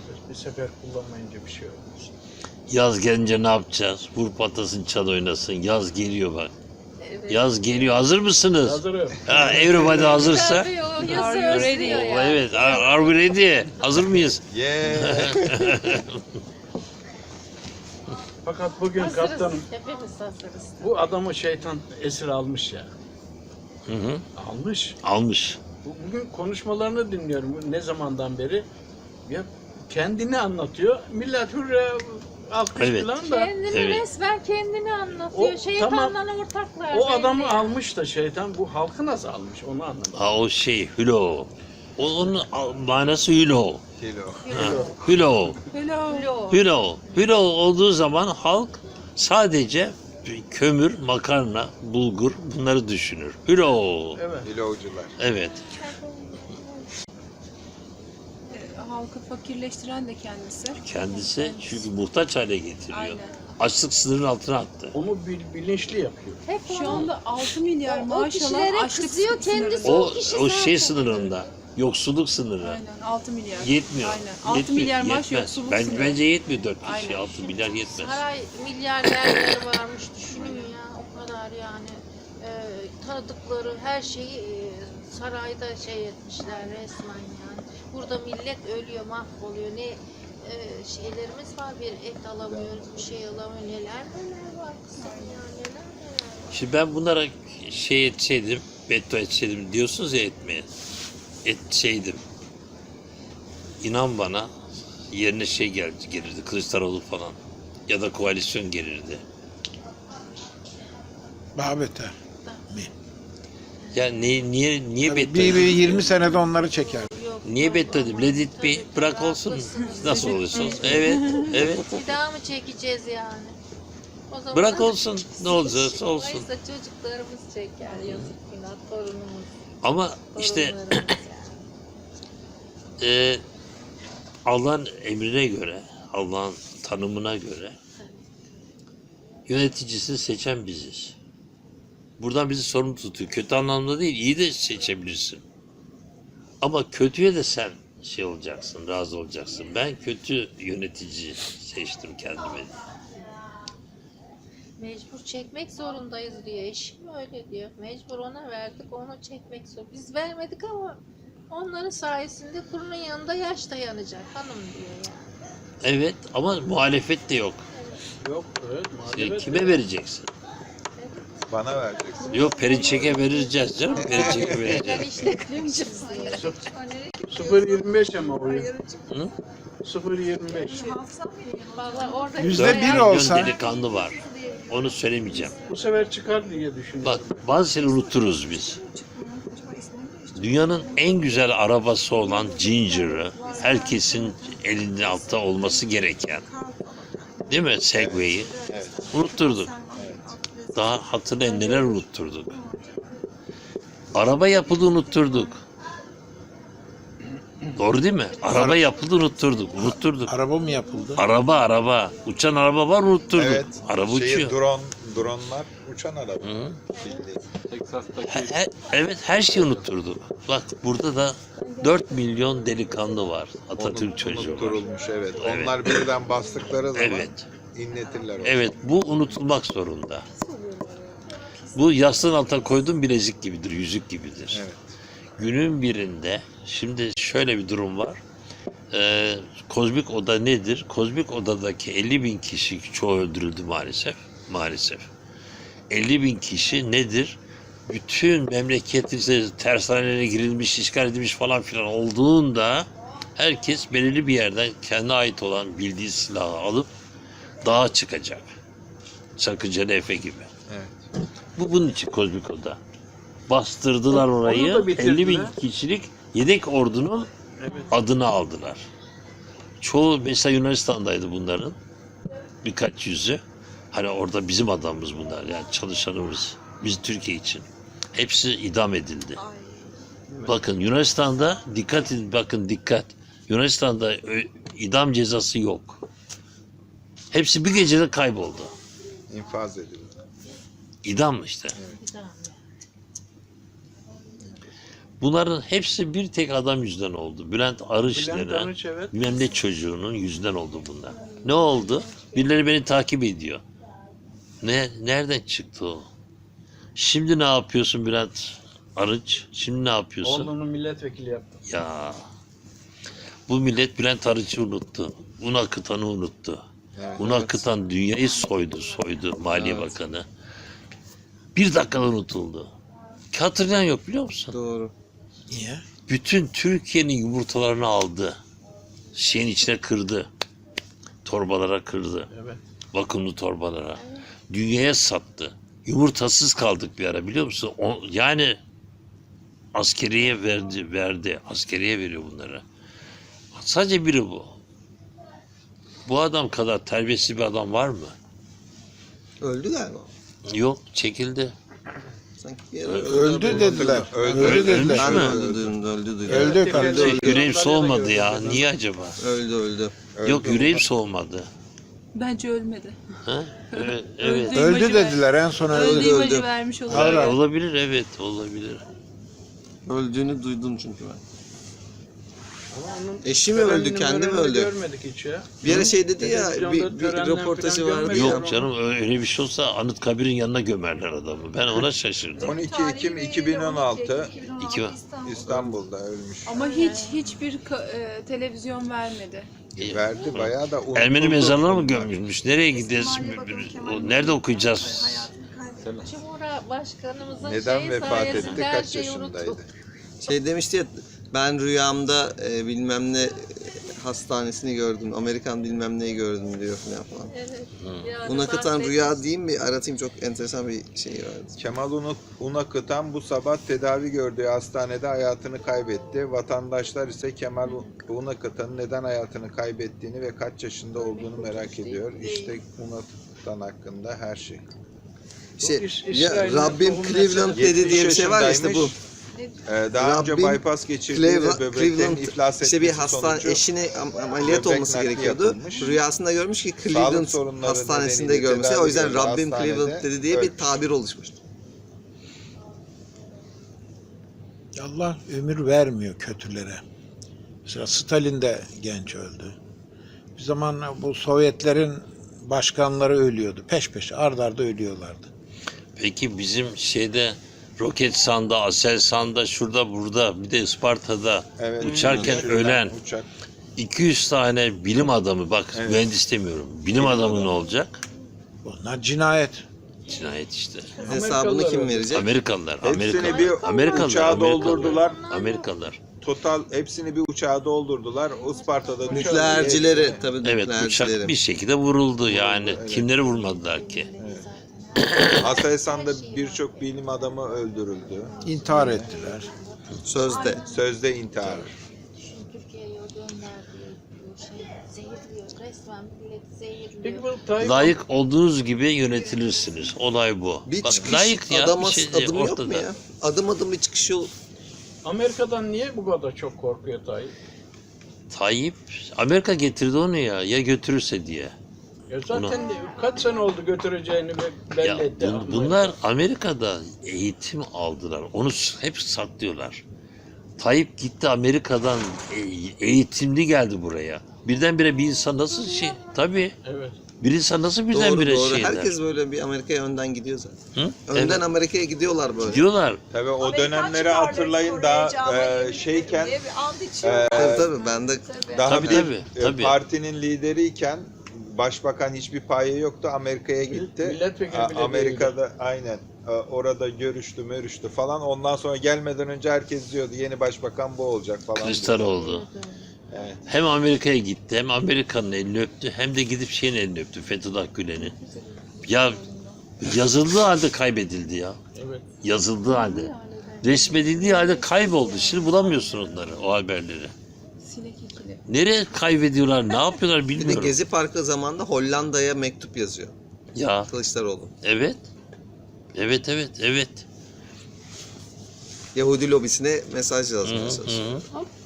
serbest. Bir sefer kullanmayınca bir şey olmaz. Yaz gelince ne yapacağız? Vur patlasın, çal oynasın. Yaz geliyor bak. Evet. Yaz geliyor. Hazır mısınız? Hazırım. Ha, everybody hazırsa. Tabii, o Are yazı you ready? özlüyor O, ya. evet. Are we ready? Hazır mıyız? Yeah. Fakat bugün Hazırız. kaptanım Hepimiz hazırız. bu adamı şeytan esir almış ya. Hı hı. Almış. Almış. Bugün konuşmalarını dinliyorum ne zamandan beri. Ya kendini anlatıyor. Millet hürre alkış Evet. falan da. Kendini Evet. resmen kendini anlatıyor. O, Şeytanla ortaklar. O adamı belli. almış da şeytan bu halkı nasıl almış onu anlamadım. Ha, o şey hülo. Onun manası hülo. Kilo. Ha, hülo. Lo. Hülo. Hülo olduğu zaman halk sadece kömür, makarna, bulgur bunları düşünür. Hülo. Evet. Kilocular. Evet. Halkı fakirleştiren de kendisi. Kendisi çünkü muhtaç hale getiriyor. Aynen. Açlık sınırının altına attı. Onu bilinçli yapıyor. Hep Şu anda 6 milyar o maaş kişilere alan açlık kızıyor, kendisi sınırı. O, o kişi o zaten. şey sınırında. Yoksulluk sınırı. Aynen 6 milyar. Yetmiyor. Aynen. 6 Yetmiyor, milyar maaş yetmez. yoksulluk Bence, sınırı. bence yetmiyor 4 kişi. Aynen. 6 milyar yetmez. saray milyarderleri varmış düşünün ya o kadar yani. Tanıdıkları her şeyi sarayda şey etmişler resmen yani. Burada millet ölüyor, mahvoluyor. Ne şeylerimiz var, bir et alamıyoruz, bir şey alamıyoruz. Neler var kızım ya, neler var. Şimdi ben bunlara şey etseydim, beddua etseydim diyorsunuz ya etmeye. Etseydim. İnan bana yerine şey gelirdi, Kılıçdaroğlu falan. Ya da koalisyon gelirdi. Daha beter. Yani niye beddua Bir edeyim? 20 senede onları çeker. Yok, Niye yok, beddua edeyim? aman Let it be. tabii, Bırak olsun. haklısınız. Nasıl olursa olsun. Evet, evet. Bir daha mı çekeceğiz yani? O zaman Bırak olsun. Ne olacaksa olsun. Oysa çocuklarımız çeker, yazık günah, torunumuz. Ama işte torunlarımız yani. Allah'ın emrine göre, Allah'ın tanımına göre yöneticisini seçen biziz. Buradan bizi sorumlu tutuyor. Kötü anlamda değil, iyi de seçebilirsin. Ama kötüye de sen şey olacaksın, razı olacaksın. Ben kötü yönetici seçtim kendime. Mecbur çekmek zorundayız diyor. Eşim öyle diyor. Mecbur ona verdik, onu çekmek zor. Biz vermedik ama onların sayesinde kurunun yanında yaş dayanacak hanım diyor yani. Evet ama muhalefet de yok. Yok evet muhalefet. Kime vereceksin? Bana vereceksin. Yok Perinçek'e vereceğiz canım. Perinçek'e Ben vereceğiz. işte kıracağız diyor. 0.25 ama oyun. Hı? 0.25. Vallahi orada Yüzde bir Milyon olsa- delikanlı var. Onu söylemeyeceğim. Bu sefer çıkar diye düşünüyorum. Bak bazı şeyleri unuturuz biz. Dünyanın en güzel arabası olan Ginger'ı herkesin elinde altta olması gereken, değil mi? Segway'i Evet. unutturduk. Daha hatırlayın neler unutturduk. Araba yapıldı unutturduk. Doğru değil mi? Araba yapıldı unutturduk. Araba mı yapıldı? Araba. Uçan araba var unutturduk. Evet. Araba uçuyor. Dronlar uçan araba. Hı. Bildiğin. Evet her şeyi unutturduk. Bak burada da 4 milyon delikanlı var. Atatürk çocuğu var. Unutturulmuş evet. Evet. Onlar birden bastıkları zaman Evet. inletirler onu. Evet bu unutulmak zorunda. Bu yastığın altına koyduğun bilezik gibidir, yüzük gibidir. Evet. Günün birinde şimdi şöyle bir durum var. Kozmik oda nedir? Kozmik odadaki 50.000 kişi çoğu öldürüldü maalesef. Maalesef. 50.000 kişi nedir? Bütün memleketin tersanelere girilmiş, işgal edilmiş falan filan olduğunda herkes belirli bir yerden kendine ait olan bildiği silahı alıp dağa çıkacak. Sakıncalı Efe gibi. Evet. Bu bunun için kozmik oda. Bastırdılar Onu orayı. da bitirdiler. 50.000 kişilik yedek ordunun Evet. adını aldılar. Çoğu mesela Yunanistan'daydı bunların. Birkaç yüzü. Hani orada bizim adamımız bunlar yani çalışanımız. Biz Türkiye için. Hepsi idam edildi. Bakın Yunanistan'da dikkat edin bakın dikkat. Yunanistan'da idam cezası yok. Hepsi bir gecede kayboldu. İnfaz edildi. İdam işte. Bunların hepsi bir tek adam yüzünden oldu. Bülent Arınç Bülent denen Arınç, evet. bilmem ne çocuğunun yüzünden oldu bunlar. Ne oldu? Birileri beni takip ediyor. Nereden çıktı o? Şimdi ne yapıyorsun Bülent Arınç? Şimdi ne yapıyorsun? Oğlunu milletvekili yaptı. Ya bu millet Bülent Arınç'ı unuttu. Un akıtanı unuttu. Evet, Un akıtan dünyayı soydu Maliye Bakanı. Bir dakikada unutuldu. Hatırlayan yok biliyor musun? Doğru. Niye? Bütün Türkiye'nin yumurtalarını aldı. Şeyin içine kırdı. Torbalara kırdı. Evet. Vakumlu torbalara. Dünyaya sattı. Yumurtasız kaldık bir ara biliyor musun? Yani askeriye verdi. Askeriye veriyor bunlara. Sadece biri bu. Bu adam kadar terbiyesiz bir adam var mı? Öldü galiba. Yok, çekildi. Sanki bir yere Öldü dediler. Öldü. Öldü dediler. Ben mi? öldü duydum. Öldü kardeşim. Yüreğim soğumadı ya. Niye acaba? Öldü. Yok, yüreğim soğumadı. Bence ölmedi. Ha? Evet, evet. Öldü dediler en son öldü. Öldü imajı öldü. vermiş olabilir. Hayır, hayır. Olabilir, evet, olabilir. Öldüğünü duydum çünkü ben. Ama onun Eşi mi öldü, törenini kendi mi mörenini öldü? Görmedik hiç ya. Bir ara şey dedi ya, Televizyonda bir törenden röportajı falan vardı görmedim. ya. Yok canım, öyle bir şey olsa Anıtkabir'in yanına gömerler adamı. Ben ona şaşırdım. 12 Ekim 2016 İki, İstanbul'da ölmüş. Ama hiçbir televizyon vermedi. Verdi bayağı da unutuldu. Ermeni mezarına mı gömmüş? Nereye gideceğiz? Nerede okuyacağız? Cumhurbaşkanımızın Neden şeyi vefat sayesinde etti? her Kaç şeyi yaşındaydı? unuttuk. Şey demişti ya, ben rüyamda bilmem ne hastanesini gördüm, Amerikan bilmem neyi gördüm diyor falan. Evet. Buna katan rüya diyeyim mi? Aratayım, çok enteresan bir şey vardı. Kemal Unakıtan bu sabah tedavi gördüğü hastanede hayatını kaybetti. Vatandaşlar ise Kemal Unakıtan'ın neden hayatını kaybettiğini ve kaç yaşında olduğunu merak ediyor. İşte Unakıtan hakkında her şey. Şey, ya İsrail'in Rabbim tohum Cleveland meselesi. dedi diye bir şey var ya, işte bu. Daha önce Rabbim bypass geçirdiği ve böbreklerin Cleveland iflas işte bir etmesi hastane, sonucu eşine ameliyat böbrek olması nakli gerekiyordu. yapılmış. Rüyasında görmüş ki Sağlık Cleveland sorunları hastanesinde nedeniyle görmüş. tedavi O yüzden gördüğü Rabbim hastanede Cleveland dedi diye bir ölmüş. tabir oluşmuş. Allah ömür vermiyor kötülere. Mesela Stalin de genç öldü. Bir zaman bu Sovyetlerin başkanları ölüyordu. Peş peşe ard arda ölüyorlardı. Peki bizim şeyde Roketsan'da, Aselsan'da, şurada burada, bir de Isparta'da Evet, uçarken düşürülen ölen uçak. 200 tane bilim adamı, bak Evet. mühendis demiyorum, bilim adamı ne olacak? Bunlar cinayet. Cinayet işte. Hesabını kim verecek? Amerikalılar, Hepsini bir Amerikalılar, uçağa doldurdular. Amerikalılar. Total hepsini bir uçağa doldurdular. Isparta'da düşürdü. Nükleercileri tabii, Evet, uçak nükleercileri. bir şekilde vuruldu yani. Kimleri vurmadılar ki? Aselsan'da birçok bilim adamı öldürüldü. İntihar ettiler. Sözde. Sözde intihar. Türkiye'ye gönderdiği zehirliyor. Resmen milleti zehirliyor. Peki bu Tayyip Layık olduğunuz gibi yönetilirsiniz. Olay bu. Bir Bak, çıkış layık ya, adım, bir şey adım yok ortada. mu ya? Adım adım bir çıkış yol. Amerika'dan niye bu kadar çok korkuyor Tayyip? Tayyip, Amerika getirdi onu ya. Ya götürürse diye. Ya zaten kaç sene oldu götüreceğini belli Ya etti. bunlar Amerika'da eğitim aldılar. Onu hep saklıyorlar. Tayyip gitti Amerika'dan eğitimli geldi buraya. Birdenbire bir insan nasıl şey? Tabii. Evet. Bir insan nasıl Doğru birdenbire doğru. şey eder? Herkes böyle bir Amerika'ya önden gidiyor zaten. Hı? Önden Evet. Amerika'ya gidiyorlar böyle. Diyorlar. Tabii o Amerikan dönemleri çıkardı hatırlayın Kore'ye, daha Cama yemin şeyken diye bir and içiyor. Tabii ben de daha Tabii, bir tabii. partinin lideriyken başbakan hiçbir payı yoktu. Amerika'ya gitti. Milletvekili bile Amerika'da aynen orada görüştü falan. Ondan sonra gelmeden önce herkes diyordu yeni başbakan bu olacak falan. Kılıçdaroğlu. Evet. Hem Amerika'ya gitti, hem Amerika'nın elini öptü, hem de gidip şeyin elini öptü, Fethullah Gülen'in. Ya yazıldığı halde kaybedildi ya. Evet. Yazıldığı halde. Resmedildiği halde kayboldu. Şimdi bulamıyorsun onları, o haberleri. Sinek ikili. Nereye kaybediyorlar, ne yapıyorlar bir de bilmiyorum. Gezi Parkı zamanında Hollanda'ya mektup yazıyor Ya, Kılıçdaroğlu. evet. Evet. Yahudi lobisine mesaj Hı yazmaya hı. çalışıyor.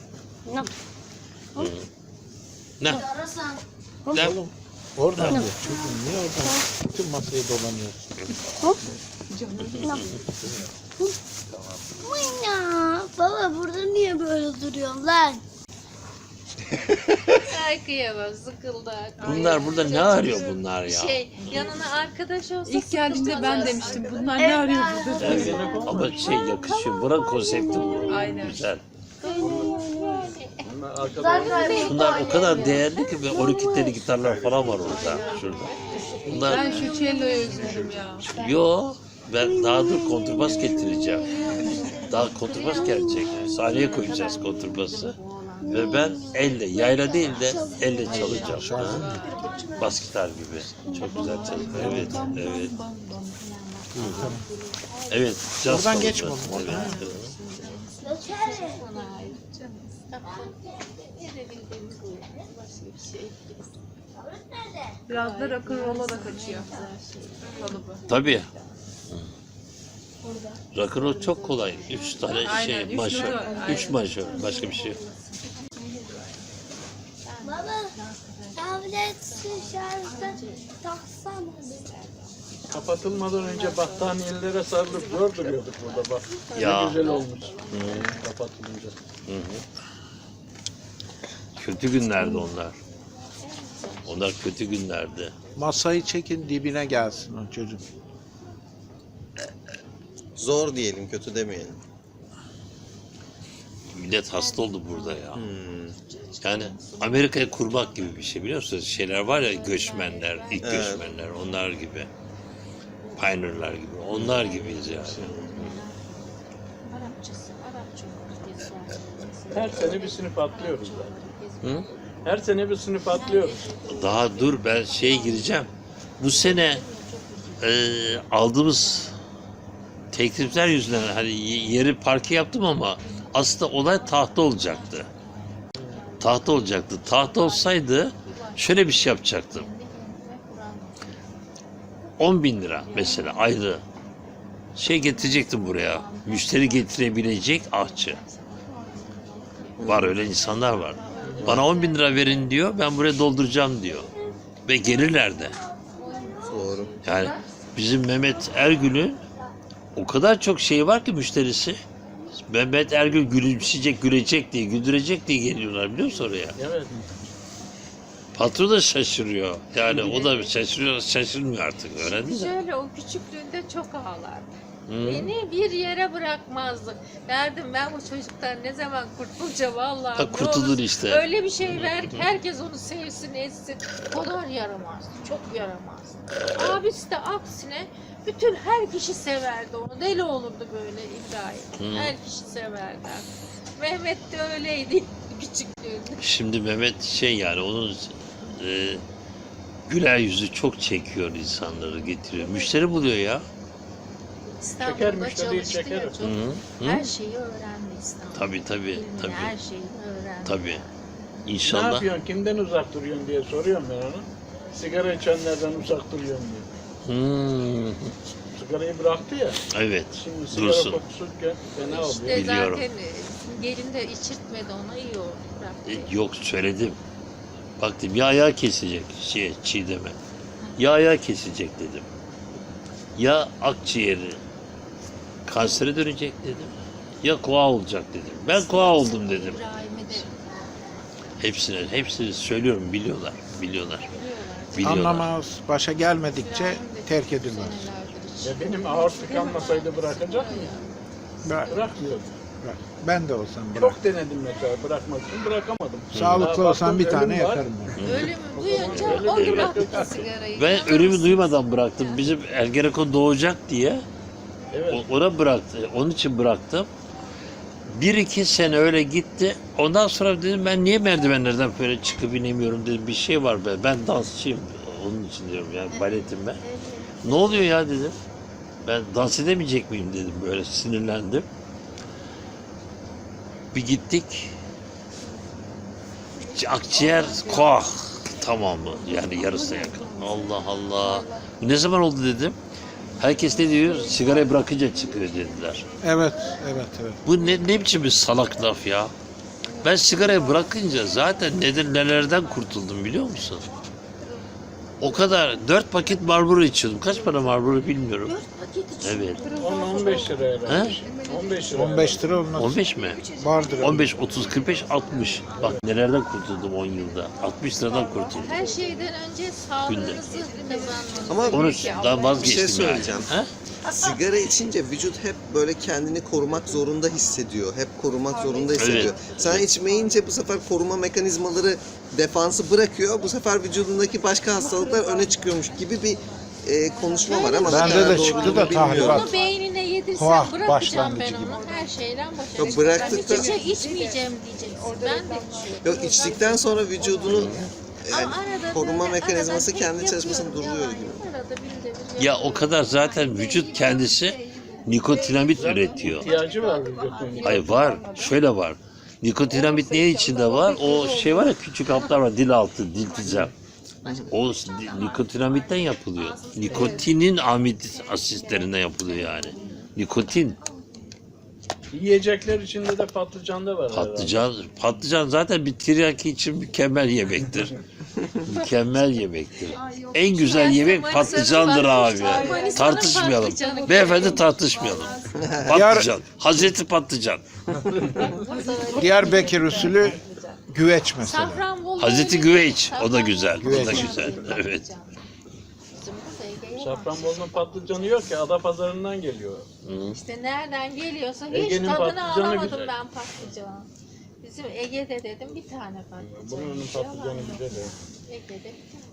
Ne? Ne? Oradan diyor. Çocuğum niye oradan bütün masayı dolanıyorsun? Tamam. Baba burada niye böyle duruyorsun lan? Ay kıyamam, sıkıldı. Bunlar burada ne arıyor bunlar ya? Yanına arkadaş olsa İlk geldiğinde ben sıkılmaz demiştim bunlar ne arıyor burada? Evet. Ama yakışıyor. Buranın konsepti bu. Aynen. Güzel. Bunlar arkadaşlar. Bunlar o kadar değerli ki ve 12 tane gitarlar falan var orada. Şurada. Bunlar Ben şu cello'yu özledim ya. yo ben daha dur kontrbas getireceğim. Daha kontrbas gelecek. Sahneye koyacağız kontrbası. Ve ben elle, yayla değil de elle çalacağım. Ha? Bas gitar gibi. Çok güzel çalıyor. Evet, evet. Evet, caz Buradan çalacağız. geçme oğlum, Evet, oradan. evet. Edebildiğimiz bu. Başka bir şey. Biraz da rock'n'roll'a da kaçıyor. Kalıbı. Tabii. Rock'n'roll çok kolay. 3 tane Aynen, şey, üç majör. nota, 3 aynen. majör. Başka bir şey yok. Baba tablet şarjda taksana. Kapatılmadan önce battaniyelere sarılıp zor duruyorduk burada bak. Ya. Ne güzel olmuş. Kapatılınca. Kötü günlerdi onlar. Onlar kötü günlerdi. Masayı çekin dibine gelsin o çocuk. Zor diyelim, kötü demeyelim. Millet hasta oldu burada ya. Yani Amerika'ya kurmak gibi bir şey biliyor musunuz? Şeyler var ya göçmenler, ilk Evet. göçmenler, onlar gibi. Pioneer'lar gibi. Onlar gibiyiz yani. Arapçası, Arapça olur diye sormuş. Her sene bir sınıf atlıyoruz zaten. Hı? Her sene bir sınıf atlıyoruz. Daha dur ben şeye gireceğim. Bu sene aldığımız teklifler yüzünden hani yeri parke yaptım ama aslında olay tahta olacaktı. Tahta olacaktı. Tahta olsaydı şöyle bir şey yapacaktım. 10.000 lira mesela ayrı şey getirecektim buraya. Müşteri getirebilecek ahçı. Var öyle insanlar var. Bana 10.000 lira verin diyor. Ben buraya dolduracağım diyor. Ve gelirler de. Doğru. Yani bizim Mehmet Ergül'ün o kadar çok şey var ki müşterisi. Mehmet Ergül gülümseyecek, gülecek diye, güldürecek diye geliyorlar biliyor musun oraya? Evet. Patron da şaşırıyor. Yani o da şaşırıyor, şaşırmıyor artık. Öğrendi mi? Şöyle o küçüklüğünde çok ağlardı. Hı. Beni bir yere bırakmazdı. Derdim ben bu çocuktan ne zaman kurtulacağım Allah'ım. Ha, kurtulur ne olur işte. Öyle bir şey ver ki herkes onu sevsin etsin. O kadar yaramazdı. Çok yaramazdı. Abisi de aksine bütün her kişi severdi onu. Deli olurdu böyle İbrahim. Hı. Her kişi severdi. Mehmet de öyleydi küçüklüğünde. Şimdi Mehmet şey yani onun güler yüzü çok çekiyor insanları getiriyor. Müşteri buluyor ya. İstanbul'da müşteriyi çalıştı çeker ya o. çok. Hı. Her şeyi öğrendi İstanbul'da. Tabii Bilmem, tabii. Her şeyi öğrendi. Tabii. Ne İnşallah. yapıyorsun? Kimden uzak duruyorsun diye soruyorum ben ona. Sigara içenlerden uzak duruyorum diyor. Hmm. Sigarayı bıraktı ya. Evet. Şimdi sigara Dursun. kokusu fena oluyor. İşte Biliyorum. zaten gelin de içirtmedi ona iyi oldu. Bıraktı. Yok söyledim. Bak dedim ya ayağı kesecek Çiğdem'e. Ya ayağı kesecek dedim. Ya akciğeri kansere dönecek dedim. Ya koa olacak dedim. Ben koa oldum dedim. İbrahim'e de Hepsini söylüyorum biliyorlar. biliyorlar. Anlamaz, başa gelmedikçe terk edilmez. Senelerdir Ya benim aortik kalmasaydı bırakacak mıyım? Bırakmıyordum. Bırak. Ben de olsam bırak. Çok denedim mesela bırakmak için bırakamadım. Sağlıklı Daha olsam bir baktım, tane ölüm var. yakarım ben. Ölümü duyunca Öyle o değil. bıraktı sigarayı. Ben İnanır ölümü mısın? duymadan bıraktım. Bizim Ergenekon doğacak diye Evet. ona bıraktı. Onun için bıraktım. 1-2 sene öyle gitti. Ondan sonra dedim ben niye merdivenlerden böyle çıkıp inemiyorum dedim. Bir şey var be. Ben dansçıyım. Onun için diyorum yani baletim ben. Ne oluyor ya dedim. Ben dans edemeyecek miyim dedim. Böyle sinirlendim. Bir gittik. Akciğer koah tamamı. Yani yarısına yakın. Allah Allah. Bu ne zaman oldu dedim. Herkes ne diyor? Sigarayı bırakınca çıkıyor dediler. Evet. Bu ne biçim bir salak laf ya? Ben sigarayı bırakınca zaten nelerden kurtuldum biliyor musun? O kadar 4 paket Marlboro içiyordum. Kaç para Marlboro bilmiyorum. 4 paket için. Evet. 10-15 lira herhalde. 15 lira. 15 lira olmaz. 15 mi? Vardır. 15, 30, 45, 60. Bak nelerden kurtuldum 10 yılda. 60 liradan kurtuldum. Her şeyden önce sağlığınızı kazanmanız. Ama Onu daha bir vazgeçtim şey söyleyeceğim. yani. Ha? Sigara içince vücut hep böyle kendini korumak zorunda hissediyor. Hep korumak zorunda hissediyor. Evet. Sen içmeyince bu sefer koruma mekanizmaları defansı bırakıyor. Bu sefer vücudundaki başka hastalıklar öne çıkıyormuş gibi bir konuşma var ama ne Bende kadar de doğru çıktı bunu da bilmiyorum. tahribat. Bunu beynine yedirsen Kuah bırakacağım başlangıcı ben gibi. onu. Her şeyden Yok, başlayacağım. bıraktıktan- İçmeyeceğim diyeceksin. Ben de içiyorum. Yok, içtikten sonra vücudunu yani Ama arada koruma böyle mekanizması arada kendi tek çalışmasını yapıyorum. duruyor Yalan gibi. yok, arada bir de bir Ya yapıyorum. o kadar zaten vücut kendisi nikotinamid üretiyor. İhtiyacı var vücudun. Hayır var. Şöyle var. Nikotinamid neyin içinde var? O şey var ya, küçük haplar var. Dil altı, diltizam. O nikotinamitten yapılıyor. Nikotinin amid asitlerinden yapılıyor yani. Nikotin. Yiyecekler içinde de patlıcan da var. Patlıcan zaten bir tiryaki için mükemmel yemektir. Mükemmel yemektir. En güzel yemek patlıcandır abi. Tartışmayalım. Beyefendi tartışmayalım. Patlıcan. Hazreti Patlıcan. Diyarbakır usulü güveç mesela. Safranbolu Hazreti öyle- Güveç. O da güzel. O da Güveç. güzel. Evet. Bizim burada Ege'ye var. Safranbolu'nun patlıcanı yok ki. Adapazarı'ndan geliyor. İşte nereden geliyorsa hiç Ege'nin tadını patlıcanı alamadım güzel. ben patlıcanı. Bizim Ege'de dedim bir tane patlıcan. Buranın patlıcanı güzel. Ege'de bir tane.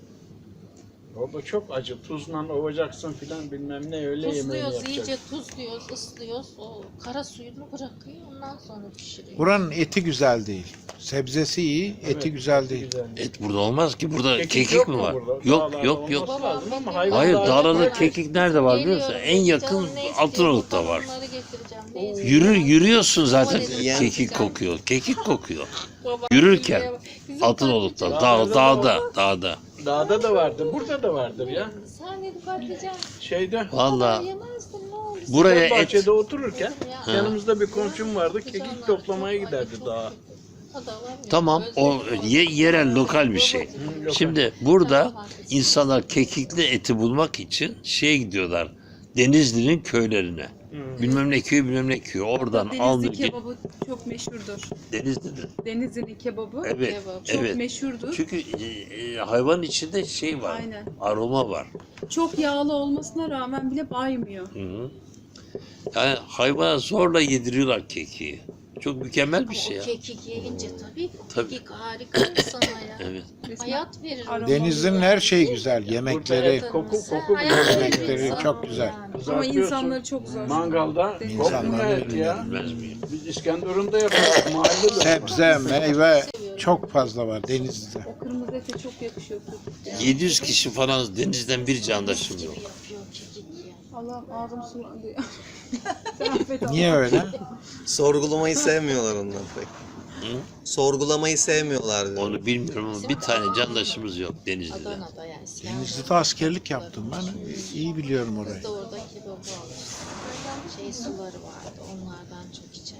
O da çok acı. Tuzla ovacaksın filan bilmem ne öyle yemeğini Tuzluyoruz, yapacak. iyice tuzluyoruz, ıslıyoruz. O kara suyunu bırakıyor, ondan sonra pişiriyor. Buranın eti güzel değil. Sebzesi iyi, eti güzel değil. Güzel. Et burada olmaz ki. Burada kekik yok mi mu var? burada? Yok Dağlarda yok yok. olması lazım ama hayvan Hayır, dağlarda dağlarda yok. kekik nerede var biliyor musun? Geliyorum, En yakın canım ne istiyor, Altınoluk'ta var. onları getireceğim. Ne istiyor? Yürüyorsun zaten Domates, kekik patlıcan. kokuyor. Kekik kokuyor. Baba, Yürürken bizim Altınoluk'ta, patlıcan- dağda. Dağda da vardır. Burada da vardır ya. Sen dedi patlıcan. Şeyde Vallahi Yemezdin ne olur. buraya et bahçede otururken Ha. yanımızda bir komşum vardı. Kekik toplamaya giderdi dağa. O da var ya, tamam, o yerel lokal bir şey. Şimdi burada insanlar kekikli eti bulmak için şeye gidiyorlar. Denizli'nin köylerine. Bilmem ne köyü bilmem ne köyü. Oradan Denizli aldı. kebabı çok meşhurdur. Denizli'nin. Denizli'nin kebabı Evet. Kebap. çok Evet. meşhurdur. Çünkü hayvanın içinde şey var. Aynen. Aroma var. Çok yağlı olmasına rağmen bile baymıyor. Hı hı. Yani hayvana zorla yediriyorlar kekiği. Çok mükemmel bir şey O ya. kekik yiyince tabii. Tabii. Kekik harika insana ya. Evet. Hayat verir. Aroma. Denizli'nin her şeyi güzel. Yemekleri, Koku Hayat verir yemekleri insana çok güzel. yani. Ama Kızartıyorsun. insanları çok zor. Mangalda Deniz kokmuyor insanları et ya. Bilmez miyim? Biz İskenderun'da yapıyoruz. Mahallede. sebze, meyve çok fazla var Denizli'de. O kırmızı ete çok yakışıyor. 700 kişi falan denizden bir candaşım yok. Yapıyor kekik ya. Allah'ım ağzım sulandı ya. Sen affet Allah. Niye öyle? Sorgulamayı sevmiyorlar onlar pek. Hı? Sorgulamayı sevmiyorlar diyor. Onu bilmiyorum ama bir tane candaşımız yok Denizli'de. Adana'da yani. Denizli'de askerlik yaptım ben. İyi biliyorum orayı. Biz de orada kebabı alırız. Şey suları vardı, onlardan çok içerdik.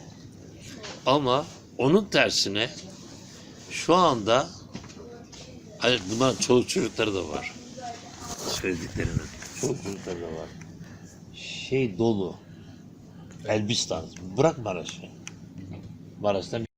Ama onun tersine şu anda hani bunların çoluk çocukları da var. Söylediklerinin. Çoluk çocukları da var. Şey dolu. Elbistan. Bırak Maraş'ı. Maraş'tan